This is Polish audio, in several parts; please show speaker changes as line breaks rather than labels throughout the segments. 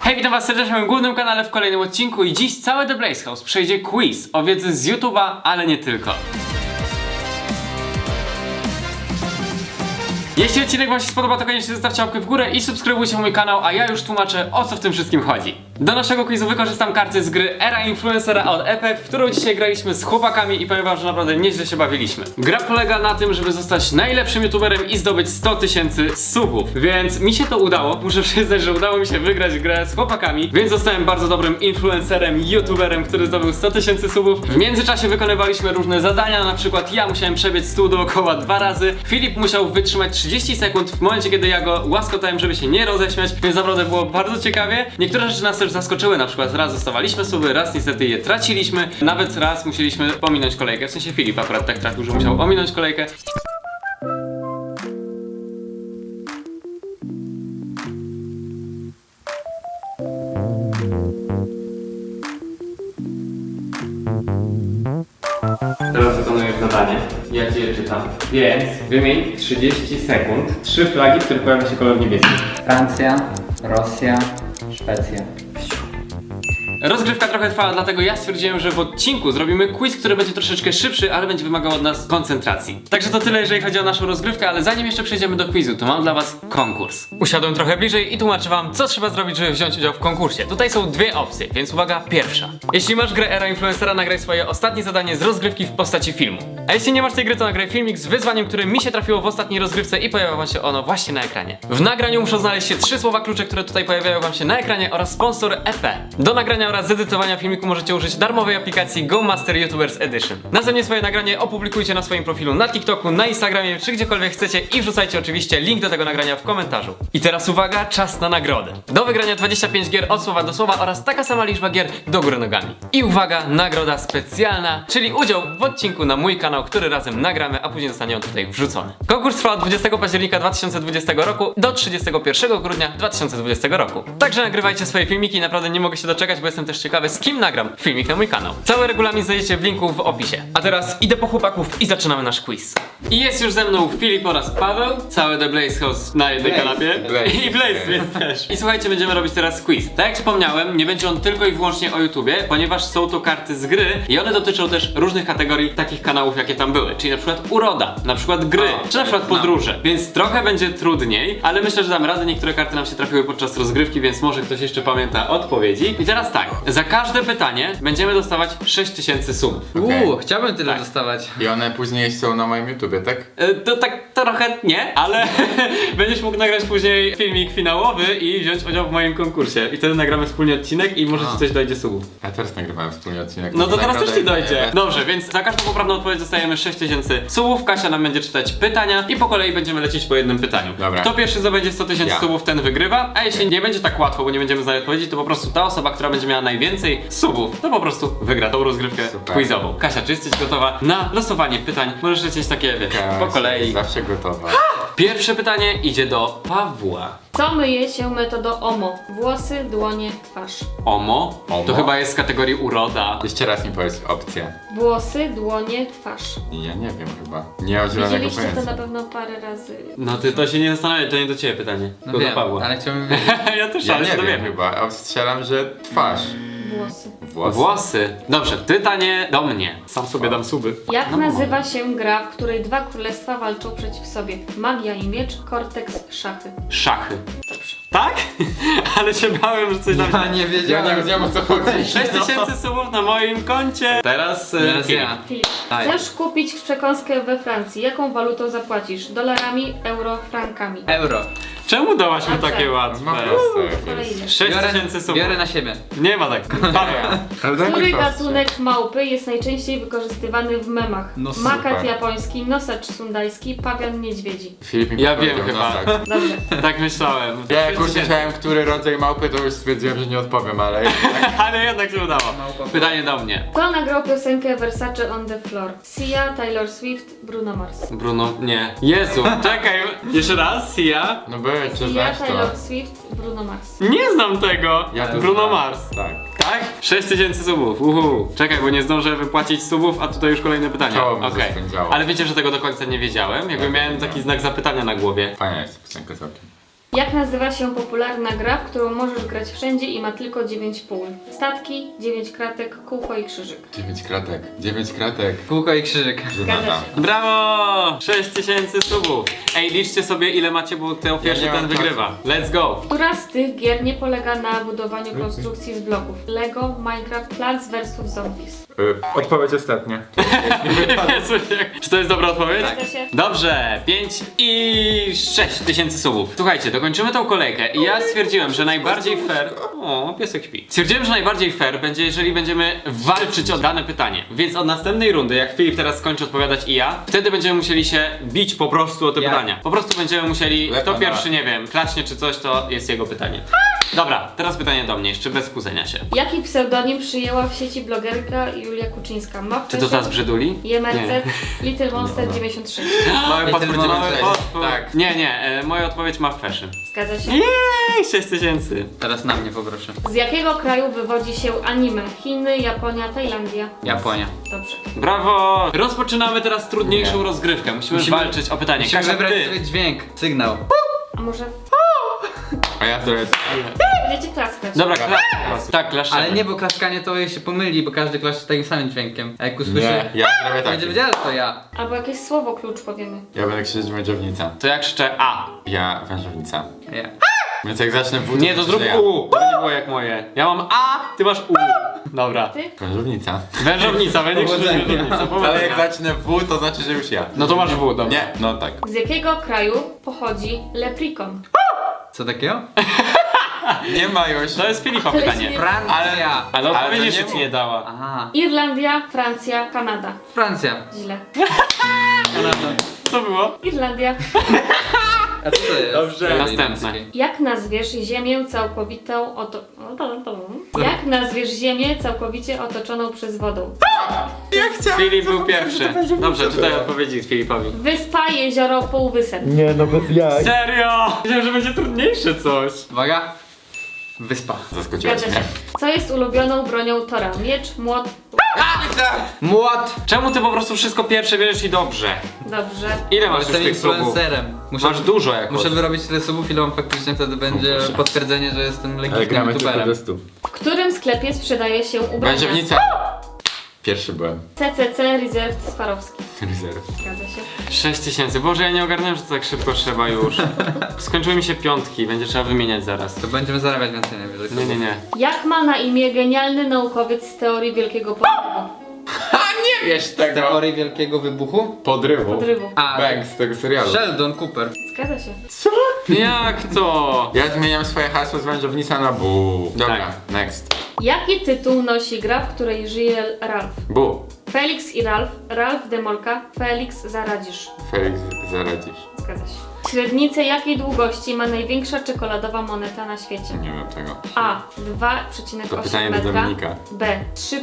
Hej, witam was serdecznie na moim głównym kanale w kolejnym odcinku i dziś całe The Blaze House przejdzie quiz o wiedzy z YouTube'a, ale nie tylko. Jeśli odcinek wam się spodoba, to koniecznie zostawcie łapkę w górę i subskrybujcie mój kanał, a ja już tłumaczę, o co w tym wszystkim chodzi. Do naszego quizu wykorzystam karty z gry Era Influencera od Epic, w którą dzisiaj graliśmy z chłopakami i powiem wam, że naprawdę nieźle się bawiliśmy. Gra polega na tym, żeby zostać najlepszym youtuberem i zdobyć 100 000 subów, więc mi się to udało. Muszę przyznać, że udało mi się wygrać grę z chłopakami, więc zostałem bardzo dobrym influencerem, youtuberem, który zdobył 100 000 subów. W międzyczasie wykonywaliśmy różne zadania, na przykład ja musiałem przebiec stół dookoła 2 razy, Filip musiał wytrzymać 30 sekund w momencie, kiedy ja go łaskotałem, żeby się nie roześmiać, więc naprawdę było bardzo ciekawie. Niektóre rzeczy nas też zaskoczyły, na przykład raz dostawaliśmy suby, raz niestety je traciliśmy, nawet raz musieliśmy pominąć kolejkę, w sensie Filip akurat tak trafił, że musiał ominąć kolejkę. Teraz wykonujesz zadanie, ja ci je czytam. Więc wymień 30 sekund 3 flagi, w których pojawia się kolor niebieski.
Francja, Rosja, Szwecja.
Rozgrywka trochę trwała, dlatego ja stwierdziłem, że w odcinku zrobimy quiz, który będzie troszeczkę szybszy, ale będzie wymagał od nas koncentracji. Także to tyle, jeżeli chodzi o naszą rozgrywkę, ale zanim jeszcze przejdziemy do quizu, to mam dla was konkurs. Usiadłem trochę bliżej i tłumaczę wam, co trzeba zrobić, żeby wziąć udział w konkursie. Tutaj są dwie opcje, więc uwaga, pierwsza. Jeśli masz grę Era Influencera, nagraj swoje ostatnie zadanie z rozgrywki w postaci filmu. A jeśli nie masz tej gry, to nagraj filmik z wyzwaniem, które mi się trafiło w ostatniej rozgrywce i pojawia wam się ono właśnie na ekranie. W nagraniu muszą znaleźć się 3 słowa klucze, które tutaj pojawiają wam się na ekranie oraz sponsor EP. Do nagrania oraz zedytowania filmiku możecie użyć darmowej aplikacji Go Master YouTubers Edition. Następnie swoje nagranie opublikujcie na swoim profilu na TikToku, na Instagramie czy gdziekolwiek chcecie i wrzucajcie oczywiście link do tego nagrania w komentarzu. I teraz uwaga, czas na nagrodę. Do wygrania 25 gier od słowa do słowa oraz taka sama liczba gier do góry nogami. I uwaga, nagroda specjalna, czyli udział w odcinku na mój kanał, który razem nagramy, a później zostanie on tutaj wrzucony. Konkurs trwa od 20 października 2020 roku do 31 grudnia 2020 roku. Także nagrywajcie swoje filmiki, naprawdę nie mogę się doczekać, bo jestem też ciekawy, z kim nagram filmik na mój kanał. Cały regulamin znajdziecie w linku w opisie. A teraz idę po chłopaków i zaczynamy nasz quiz. I jest już ze mną Filip oraz Paweł, całe The Blaze House na jednej kanapie. I Blaze, więc też. I słuchajcie, będziemy robić teraz quiz. Tak jak wspomniałem, nie będzie on tylko i wyłącznie o YouTubie, ponieważ są to karty z gry i one dotyczą też różnych kategorii takich kanałów, jakie tam były. Czyli na przykład uroda, na przykład gry, czy na przykład podróże. Więc trochę będzie trudniej, ale myślę, że damy radę. Niektóre karty nam się trafiły podczas rozgrywki, więc może ktoś jeszcze pamięta odpowiedzi. I teraz tak, za każde pytanie będziemy dostawać 6000 subów.
Okej.
Chciałbym tyle
Tak.
dostawać.
I one później są na moim YouTubie, tak?
To tak trochę nie, ale będziesz mógł nagrać później filmik finałowy i wziąć udział w moim konkursie. I wtedy nagramy wspólnie odcinek i może ci coś dojdzie subów.
Ja teraz nagrywałem wspólnie odcinek.
No to teraz
nagroda
też ci
jest
dojdzie.
moja.
Dobrze, więc za każdą poprawną odpowiedź dostajemy 6000 subów. Kasia nam będzie czytać pytania i po kolei będziemy lecieć po jednym pytaniu.
Dobra.
Kto pierwszy zdobędzie 100 000
Ja.
subów, ten wygrywa. A jeśli nie będzie tak łatwo, bo nie będziemy znać odpowiedzi, to po prostu ta osoba, która będzie miała najwięcej subów, to po prostu wygra tą rozgrywkę
Super.
quizową. Kasia, czy jesteś gotowa na losowanie pytań? Możesz lecieć takie, wiesz, po
Kasia
kolei.
jest zawsze gotowa.
Pierwsze pytanie idzie do Pawła.
Co myje się metodą OMO? Włosy, dłonie, twarz.
Omo? To
Omo?
chyba jest z kategorii uroda.
Jeszcze raz mi powiedz opcję.
Włosy, dłonie, twarz.
Ja nie wiem chyba. Nie mam zielonego
Widzieliście to
pojęcia.
na pewno parę razy.
No ty to się nie zastanawiaj, to nie do ciebie pytanie.
No
Tylko
wiem,
do Pawła.
ale chciałbym wiedzieć.
Ja też
Ja
ale
nie
się
wiem
dowiemy.
chyba. Strzelam, że twarz.
Włosy.
Włosy.
Włosy. Dobrze, pytanie do mnie. Sam sobie dam suby.
Jak nazywa się gra, w której dwa królestwa walczą przeciw sobie? Magia i miecz, Cortex, szachy.
Szachy. Tak? Ale się bałem, że coś tam...
Ja nie
Ja
wiedziałem.
nie wiedziałem o co chodzi.
6000 subów na moim koncie. Teraz
Teraz
Filip.
ja.
Filip.
Daj.
Chcesz kupić przekąskę we Francji. Jaką walutą zapłacisz? Dolarami, euro, frankami.
Euro.
Czemu dałaś mi
Dobrze.
takie łatwe?
No proste jakieś.
Kolejny.
6000 subów.
Biorę na siebie.
Nie ma tak. Paweł.
Ale daj mi
Który
prostsze.
gatunek małpy jest najczęściej wykorzystywany w memach?
No
Makat
super.
japoński, nosacz sundajski, pawian niedźwiedzi.
Filip mi
Ja wiem
powiedział
chyba.
nosak.
Dobrze.
Tak myślałem.
Ja jak
6000.
usłyszałem, który rodzaj małpy, to już stwierdziłem, że nie odpowiem, ale...
Ale jednak się udało.
Małpa.
Pytanie do mnie.
Kto nagrał piosenkę Versace on the Floor? Sia, Taylor Swift, Bruno Mars.
Bruno, nie. Jezu, czekaj. Jeszcze raz, Sia.
No byłeś, czy
Sia,
znasz to?
Taylor Swift, Bruno Mars.
Nie znam tego.
Ja to
Bruno
znam.
Mars.
Tak.
Tak? 6000 subów. Czekaj, bo nie zdążę wypłacić subów, a tutaj już kolejne pytania.
Czoło mi
Okej.
zaspędzało.
Ale wiecie, że tego do końca nie wiedziałem? Jakby
Ja
miałem
wiem.
taki znak zapytania na głowie.
Fajna jest piosenka całkiem.
Jak nazywa się popularna gra, w którą możesz grać wszędzie i ma tylko 9 pól? Statki, 9 kratek, kółko i krzyżyk.
9 kratek. 9 kratek.
Kółko i krzyżyk.
Zgadza
Żenada.
się.
Brawo! 6000 subów. Ej, liczcie sobie ile macie, bo kto pierwszy
nie
ten
mam
wygrywa. Let's go!
Która z tych gier nie polega na budowaniu konstrukcji z bloków? Lego, Minecraft, Plants vs Zombies.
Odpowiedź ostatnia.
Jezu, czy to jest dobra odpowiedź?
Zgadza się.
Dobrze, 5 i 6000 subów. Słuchajcie, dokończymy tą kolejkę i ja stwierdziłem, że najbardziej fair... O, piesek śpi. Stwierdziłem, że najbardziej fair będzie, jeżeli będziemy walczyć o dane pytanie. Więc od następnej rundy, jak Filip teraz skończy odpowiadać i ja, wtedy będziemy musieli się bić po prostu o te
Ja.
pytania. Po prostu będziemy musieli,
Lepa
kto
na-
pierwszy, nie wiem, klaśnie czy coś, to jest jego pytanie. Dobra, teraz pytanie do mnie, jeszcze bez kłócenia się.
Jaki pseudonim przyjęła w sieci blogerka Julia Kuczyńska?
Czy to ta z brzyduli?
JMRZ, Little Monster 96.
Mały
Little
potwór, mały
Monster.
potwór.
Tak.
Nie, moja odpowiedź ma fashion.
Zgadza się.
Jej, 6000.
Teraz na mnie poproszę.
Z jakiego kraju wywodzi się anime? Chiny, Japonia, Tajlandia.
Japonia.
Dobrze.
Brawo! Rozpoczynamy teraz trudniejszą
Nie.
rozgrywkę. Musimy walczyć o pytanie.
Musimy
Kasia,
wybrać
ty.
sobie dźwięk, sygnał.
A może
A ja to jest...
będziecie klaskać?
Dobra, tak, klaszczemy.
Ale nie, bo klaskanie to się pomyli, bo każdy klaszcze takim samym dźwiękiem. A jak usłyszy,
Nie, ja zrobię
to
tak.
będzie wiedział, że to ja.
Albo jakieś słowo klucz powiemy.
Ja będę krzyczeć wężownica.
To jak krzyczę A.
Ja wężownica.
Ja.
Więc jak zacznę w
Nie, to zrób
ja.
U. To nie było jak moje. Ja mam A, ty masz U. Dobra.
Ty?
Wężownica.
Wężownica, będzie krzyczeć
Powodzenia.
wężownica.
Ale
Powodzenia.
jak zacznę w, to znaczy, że już ja.
No to masz W, dobra.
Nie, no tak.
Z jakiego kraju pochodzi leprikon?
Co takiego?
Nie ma już.
To jest Filipa
Ale
pytanie.
się nie-
Francja.
Ale odpowiedzi
to
jeszcze
nie
ci nie dała.
Aha.
Irlandia, Francja, Kanada.
Francja.
Źle.
Co było?
Irlandia.
A co to jest?
Dobrze.
Kraj
Następne.
irlandzki.
Jak nazwiesz ziemię całkowitą Jak nazwiesz ziemię całkowicie otoczoną przez wodą?
Ja chciałem.
Filip był pierwszy. Dobrze, czytaj odpowiedzi Filipowi.
Wyspa, jezioro, półwysep.
Nie, no bez jaj.
Serio? Myślałem, że będzie trudniejsze coś.
Uwaga. Wyspa.
Zaskoczyłaś
Zgadza się.
mnie.
Co jest ulubioną bronią Tora? Miecz, młot.
Młot.
Czemu ty po prostu wszystko pierwsze bierzesz i dobrze?
Dobrze.
Ile masz
Jestem
już tych subów?
influencerem.
Masz dużo jakoś.
Muszę wyrobić tyle subów, ile on faktycznie wtedy będzie
Proszę.
potwierdzenie, że jestem
Ale
legitnym
gramy tylko
youtuberem.
do 100.
W którym sklepie sprzedaje się ubrania?
Wężownica. Pierwszy byłem.
CCC Reserved Swarowski.
Rezerw.
Zgadza się.
6000. Boże, ja nie ogarnąłem, że to tak szybko trzeba już. Skończyły mi się piątki, będzie trzeba wymieniać zaraz.
To będziemy zarabiać więcej najwyżej.
Nie.
Jak ma na imię genialny naukowiec z teorii wielkiego podrywu?
Nie wiesz tego.
Teorii wielkiego wybuchu?
Podrywu.
Podrywu.
A,
Bank z tego serialu.
Sheldon Cooper.
Zgadza się.
Jak to?
Ja zmieniam swoje hasło z wężownica na bu. Dobra,
Tak.
next.
Jaki tytuł nosi gra, w której żyje Ralph?
Bu.
Felix i Ralph, Ralph Demolka, Felix Zaradzisz.
Felix, zaradzisz.
Zgadza się. Średnicę jakiej długości ma największa czekoladowa moneta na świecie?
Nie wiem tego.
A.
To
2,8
pytanie do
metra.
Dominika.
B.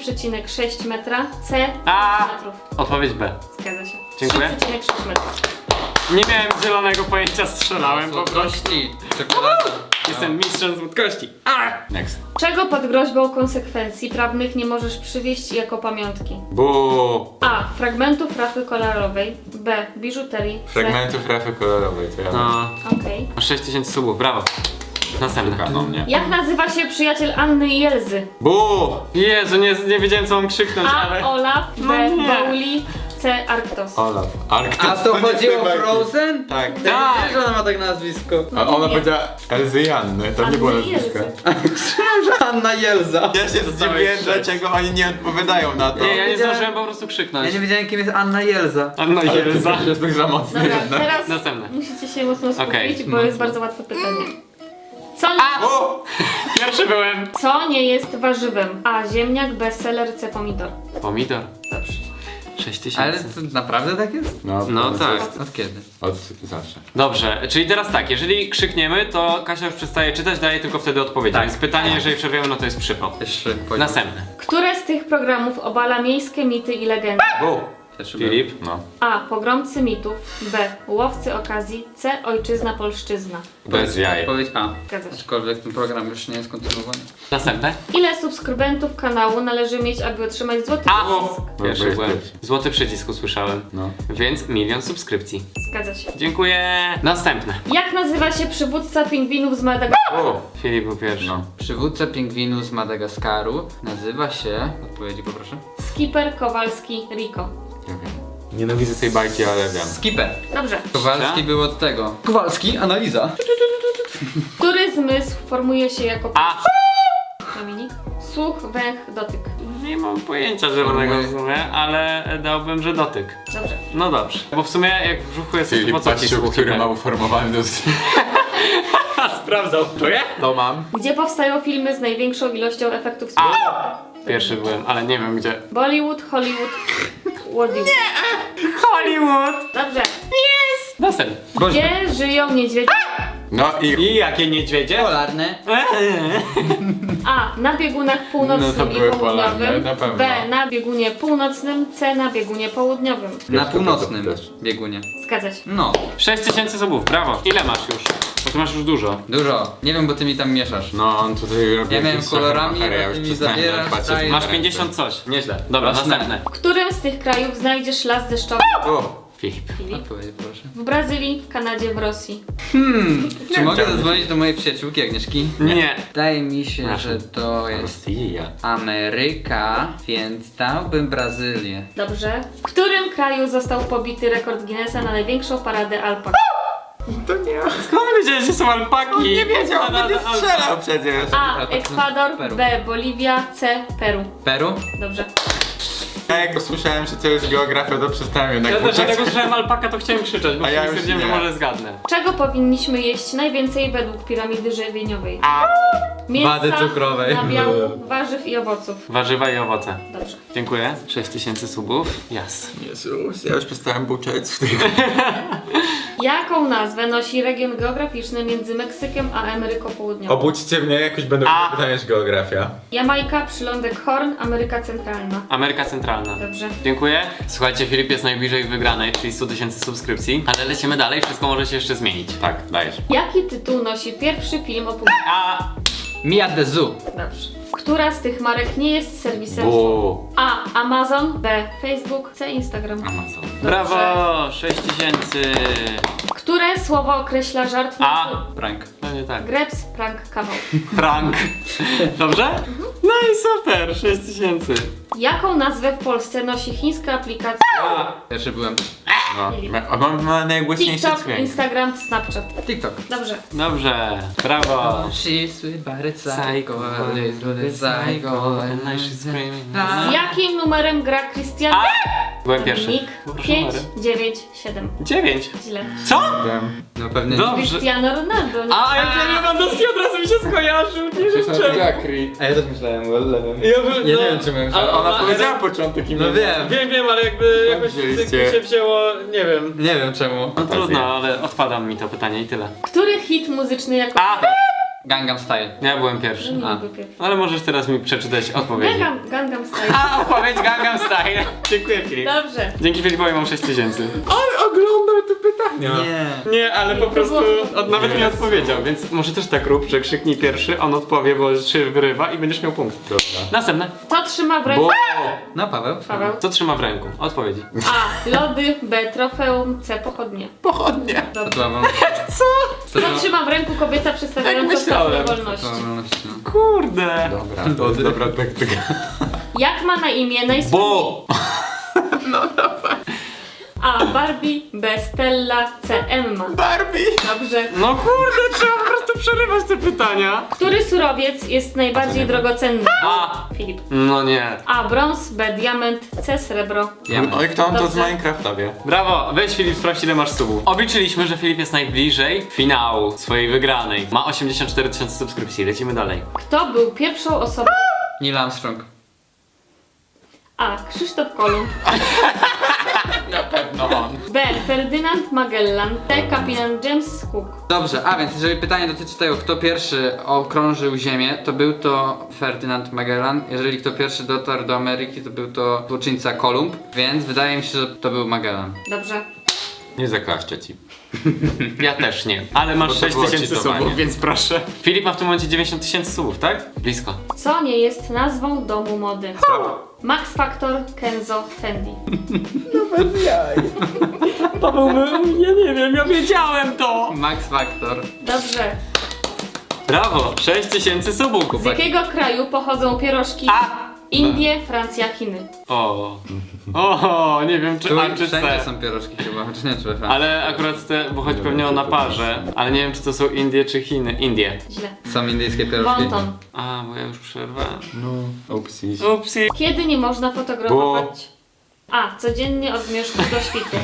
3,6 metra. C.
A.
5 metrów.
Odpowiedź B.
Zgadza się.
Dziękuję.
3,6 metra.
Nie miałem zielonego pojęcia, strzelałem po prostu.
Słodkości. Czekolada.
Jestem mistrzem słodkości.
Next.
Czego pod groźbą konsekwencji prawnych nie możesz przywieźć jako pamiątki?
Bu.
A. Fragmentów rafy kolorowej. B. Biżuterii. C.
Fragmentów rafy kolorowej, to ja wiem.
No,
Okej.
masz 6000 subów, brawo. Następne.
No mnie.
Jak nazywa się przyjaciel Anny i Elzy?
Bu.
Jezu, nie wiedziałem co mam krzyknąć,
A.
ale...
Olaf.
No
B.
nie.
Bowli. C. Arktos.
Olaf. Arktos.
A to
nie
chodzi o
bajki.
Frozen?
Tak.
Tak.
Wiesz, że ona ma tak nazwisko.
A ona powiedziała Elzy i Anny, to nie było
Anny i
nazwisko.
Elzy.
Myślałem, że Anna Jelza.
Ja się zdziwiłem, dlaczego oni nie odpowiadają na to.
Nie, ja nie
wiedziałem-
zdążyłem po prostu krzyknąć.
Ja nie wiedziałem, kim jest Anna Jelza.
Anna
Ale ty
Jelza.
jest tak za mocny
Dobra,
jednak.
teraz
Następne.
musicie się mocno skupić,
Okej.
bo jest bardzo łatwe pytanie. Co,
O!
Pierwszy byłem.
co nie jest warzywem? A. Ziemniak, B. Seler, C. Pomidor.
Pomidor.
Dobrze.
6000.
Ale to naprawdę tak jest?
No tak.
Od kiedy?
Od zawsze.
Dobrze, czyli teraz tak, jeżeli krzykniemy, to Kasia już przestaje czytać, daje tylko wtedy odpowiedź.
Tak.
Więc pytanie, jeżeli przerwiemy, no to jest przypał.
Jeszcze poziom.
Następne.
Które z tych programów obala miejskie mity i legendy?
Bu.
Też
Filip?
No.
A. Pogromcy mitów. B. Łowcy okazji. C. Ojczyzna, polszczyzna.
Bez jaj.
Odpowiedź A.
Zgadza się.
Aczkolwiek ten program już nie jest kontynuowany.
Następne?
Ile subskrybentów kanału należy mieć, aby otrzymać złoty
A!
przycisk?
Pierwszy
Byłeś
byłem.
pierwszy.
Złoty przycisk usłyszałem.
No.
Więc 1 000 000 subskrypcji.
Zgadza się.
Dziękuję. Następne.
Jak nazywa się przywódca pingwinów z Madagaskaru?
O!
Filip był pierwszy.
No.
Przywódca pingwinu z Madagaskaru nazywa się... Odpowiedzi poproszę.
Skipper Kowalski Rico.
Nie wiem. Nienawidzę tej bajki, ale wiem.
Skipper.
Dobrze.
Kowalski był od tego. Kowalski, analiza.
Który zmysł formuje się jako
A!
Dominik? Słuch, węch, dotyk.
Nie mam pojęcia zielonego w sumie, ale dałbym, że dotyk.
Dobrze.
No dobrze. Bo w sumie jak w brzuchu jest, to
Filip
po co ci
patrzył,
słuch?
który ma uformowany do...
Sprawdzał. To ja?
To mam.
Gdzie powstają filmy z największą ilością efektów specjalnych?
Pierwszy byłem, ale nie wiem gdzie.
Bollywood, Hollywood, Hollywood.
Hollywood!
Dobrze.
Następny.
Gdzie żyją niedźwiedzie?
No i...
I jakie niedźwiedzie?
Polarne.
A. Na biegunach północnym
No to
i
były polarne,
południowym.
na pewno.
B. Na biegunie północnym. C. Na biegunie południowym.
Na północnym
też.
biegunie.
Zgadza się.
No.
6000 subów, brawo. Ile masz już? Bo ty masz już dużo.
Dużo. Nie wiem, bo ty mi tam mieszasz.
No, on tutaj robi
Ja miałem
jakieś
kolorami,
trochę
a
ja
ty
już
mi
przestałem
zabierasz,
nawet patrzeć
dajesz.
na
Masz
ręce.
50 coś. Nieźle. Dobra,
Jasne.
następne.
W którym z tych krajów znajdziesz las deszczowy?
O!
Filip.
Filip?
Odpowiedź proszę.
W Brazylii, w Kanadzie, w Rosji.
Czy mogę
czemu.
zadzwonić do mojej przyjaciółki Agnieszki?
Nie.
Wydaje mi się,
Proszę.
że to jest
Rosja.
Ameryka, więc dałbym Brazylię.
Dobrze. W którym kraju został pobity rekord Guinnessa na największą paradę alpak?
To nie...
Skąd wiedziałeś, że są alpaki?
Nie wiedział, on będzie
Alpak.
strzelał przecież.
A.
Alpak to
Ekwador.
Peru.
B. Boliwia. C. Peru.
Peru?
Dobrze.
Ja jak usłyszałem, że to jest geografia, to przestałem jednak
Ja też
uczyć.
dlatego słyszałem alpaka, to chciałem krzyczeć, bo
A ja już
stwierdziłem, że
nie.
może zgadnę.
Czego powinniśmy jeść najwięcej według piramidy żywieniowej?
A!
Mięsa,
Wady cukrowej.
nabiału, warzyw i owoców.
Warzywa i owoce.
Dobrze.
Dziękuję. 6000 subów. Jas.
Jezus, ja już przestałem buczeć w tych...
Jaką nazwę nosi region geograficzny między Meksykiem a Ameryką Południową?
Obudźcie mnie, jakoś będę
A.
pytania z geografia.
Jamajka, przylądek Horn, Ameryka Centralna.
Ameryka Centralna.
Dobrze.
Dziękuję. Słuchajcie, Filip jest najbliżej wygranej, czyli 100 000 subskrypcji. Ale lecimy dalej, wszystko może się jeszcze zmienić.
Tak, dajesz.
Jaki tytuł nosi pierwszy film o
A!
Mia de Zoo.
Dobrze. Która z tych marek nie jest serwisem?
Bu.
A. Amazon. B. Facebook. C. Instagram.
Amazon.
Brawo! 6000.
Które słowo określa żart?
A.
Prank.
No nie tak.
Greps, prank, kawał.
Prank. Dobrze? No i super, 6000.
Jaką nazwę w Polsce nosi chińska aplikacja
Pierwszy byłem.
No. A mam najgłośniejszy
TikTok,
dźwięk.
Instagram, Snapchat?
TikTok.
Dobrze.
Dobrze, brawo.
She's sweet but it's psycho, little psycho.
Z jakim numerem gra Cristiano?
Byłem pierwszy.
Dominik? 5, 9, 7.
9.
Źle.
Co?
Wiem.
No pewnie
Dobrze.
Cristiano Ronaldo. Nie?
A, jak ten Lewandowski od razu mi się skojarzył, nie wiem czemu.
A ja też myślałem o lewym.
Ja bym-
Ja
no,
nie wiem, czy miałem
ale
Ona
ona-
powiedziała początek i
No wiem.
Wiem, ale jakby jakoś
wzięliście?
się wzięło, nie wiem.
Nie wiem czemu.
No trudno, ale odpada mi to pytanie i tyle.
Który hit muzyczny jako...
A!
Gangnam Style.
Ja byłem
No
pierwszy.
nie
A.
był pierwszy.
Ale możesz teraz mi przeczytać odpowiedzi.
Gangnam Style.
A, odpowiedź Gangnam Style. Dziękuję, Filip.
Dobrze.
Dzięki Filipowi mam 6000.
On oglądał te pytania.
Nie.
Nie, ale po prostu nawet nie odpowiedział, więc może też tak rób, że krzyknij pierwszy, on odpowie, bo się wyrywa i będziesz miał punkt.
Dobra.
Następne.
Co trzyma w ręku?
Bo...
No Paweł.
Paweł.
Co trzyma w ręku? Odpowiedzi.
A. Lody. B. Trofeum. C. Pochodnie.
Pochodnie.
Tatuową.
Co trzyma w ręku kobieta przedstawiająca
Tak myślałem.
stopnie wolności?
Kurde.
Dobra, to jest dobra taktyka.
Jak ma na imię najsłynniejszy?
Bo!
A. Barbie. B. Stella. C. Emma.
Barbie!
Dobrze.
No kurde, trzeba po prostu przerywać te pytania.
Który surowiec jest najbardziej drogocenny?
A.
Filip.
No nie.
A. Brąz. B. Diament. C. Srebro.
Oj, kto on to z
Dobrze.
Minecrafta wie?
Brawo, weź Filip, sprawdź ile masz subów. Obliczyliśmy, że Filip jest najbliżej finału swojej wygranej. Ma 84 000 subskrypcji, lecimy dalej.
Kto był pierwszą osobą?
Neil Armstrong.
A. Krzysztof Kolumb.
Na pewno on.
B. Ferdynand Magellan. C. Kapitan James Cook.
Dobrze, a więc jeżeli pytanie dotyczy tego, kto pierwszy okrążył Ziemię, to był to Ferdynand Magellan. Jeżeli kto pierwszy dotarł do Ameryki, to był to złoczyńca Kolumb, więc wydaje mi się, że to był Magellan.
Dobrze.
Nie zaklaszczę ci.
Ja też nie. Ale masz
Bo to
6000
było cheatowanie.
subów, więc proszę. Filip ma w tym momencie 90 000 subów, tak? Blisko.
Co nie jest nazwą domu mody? Max Factor, Kenzo, Fendi.
To byłby... Ja nie wiem, ja wiedziałem to!
Max Factor.
Dobrze.
Brawo, 6000 subów.
Z jakiego kraju pochodzą pierożki?
A!
Indie, Francja, Chiny.
O, nie wiem czy
Tu
A czy
wszędzie
C.
są pierożki chyba, czy nie, czy
Ale akurat te, bo chodzi pewnie o naparze, ale nie wiem czy to są Indie czy Chiny. Indie.
Źle.
Są indyjskie pierożki.
Wonton.
A, bo ja już przerwałem.
No, upsi.
Upsi.
Kiedy nie można fotografować? A. Codziennie od zmierzchu do świtu.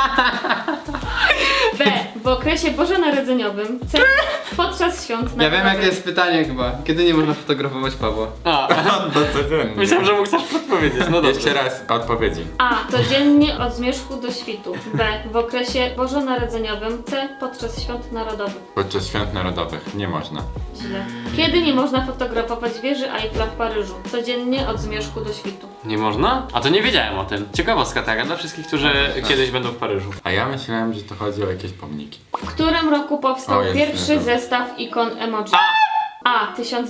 B. W okresie bożonarodzeniowym. C. Podczas świąt
Ja wiem
narodowych.
jakie jest pytanie chyba. Kiedy nie można fotografować Pawła?
A,
No codziennie.
myślałem, że mógł coś podpowiedzieć, no dobrze.
Jeszcze raz odpowiedzi.
A. Codziennie od zmierzchu do świtu. B. W okresie bożonarodzeniowym. C. Podczas świąt narodowych.
Podczas świąt narodowych nie można.
Źle. Kiedy nie można fotografować wieży Eiffla w Paryżu? Codziennie od zmierzchu do świtu.
Nie można? A to nie wiedziałem o tym. Ciekawostka taka dla wszystkich, którzy kiedyś będą w Paryżu.
A ja myślałem, że to chodzi o jakieś pomniki.
W którym roku powstał
O, jest,
pierwszy
jest.
zestaw ikon emoji? A.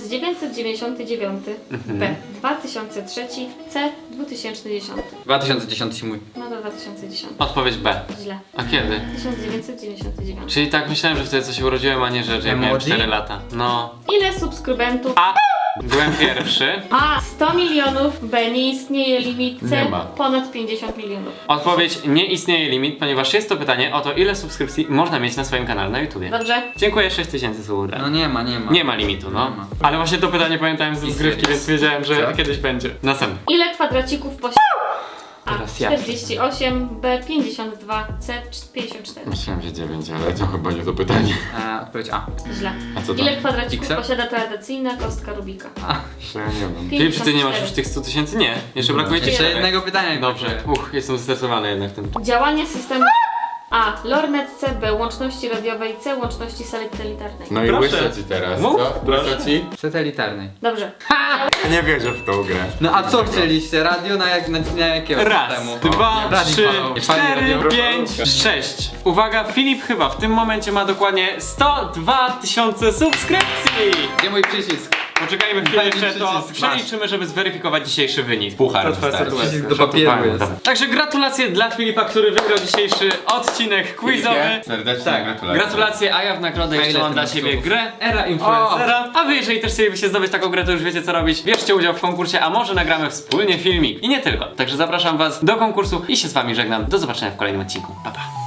1999. B. 2003. C. 2010.
2010 mój.
No to 2010.
Odpowiedź B.
Źle.
A kiedy?
1999.
Czyli tak myślałem, że wtedy co się urodziłem, a nie, że jak miałem
Emoji?
4 lata. No.
Ile subskrybentów?
A. Byłem pierwszy.
A. 100 milionów. B. Nie istnieje limit. C.
Nie ma.
Ponad 50 milionów.
Odpowiedź: nie istnieje limit, ponieważ jest to pytanie o to, ile subskrypcji można mieć na swoim kanale na YouTubie.
Dobrze.
Dziękuję, 6000 subów.
No nie ma.
Nie ma limitu, no.
Nie ma.
Ale właśnie to pytanie pamiętałem z rozgrywki, więc wiedziałem, że
Co?
kiedyś będzie. Następny.
Ile kwadracików posiada? A.
Teraz ja.
48. B. 52. C. 54.
Myślałem, że 9, ale to chyba nie to pytanie.
Odpowiedź A.
Źle.
A co to?
Ile kwadracików
Pixel?
posiada tradycyjna kostka Rubika?
Jeszcze ja nie wiem.
Filip, czy ty nie masz
54.
już tych 100 000? Nie. Jeszcze brakuje ci
Jeszcze
czterech.
jednego pytania mi
Dobrze.
brakuje.
Jestem zestresowany jednak tym.
Działanie systemu A. Lornet. C. B. Łączności radiowej. C. Łączności satelitarnej.
No i
Proszę.
łyso ci teraz,
Mów,
co?
proszę.
Łyso ci?
Satelitarnej.
Dobrze.
Nie wierzę w tą grę.
No a co chcieliście? Radio na jakiego
Raz,
systemu?
dwa,
Radio
trzy,
falowe. Fali
cztery,
radiowe.
5, 6. Uwaga, Filip chyba w tym momencie ma dokładnie 102 000 subskrypcji.
Gdzie mój przycisk?
Poczekajmy chwilę,
Daj mi
jeszcze to
przycisk,
przeliczymy, żeby zweryfikować dzisiejszy wynik.
Puchar
To twoja
wystarczy.
sytuacja.
Przycisk do papieru jest.
Także gratulacje dla Filipa, który wygrał dzisiejszy odcinek quizowy.
Serdecznie
Tak,
gratulacje.
gratulacje, a ja w nagrodę jeszcze
ile
mam
ty
dla
masz
ciebie
subów?
grę Era Influencera. A wy, jeżeli też chcielibyście zdobyć taką grę, to już wiecie co robić. Bierzcie udział w konkursie, a może nagramy wspólnie filmik. I nie tylko. Także zapraszam was do konkursu i się z wami żegnam. Do zobaczenia w kolejnym odcinku. Pa, pa.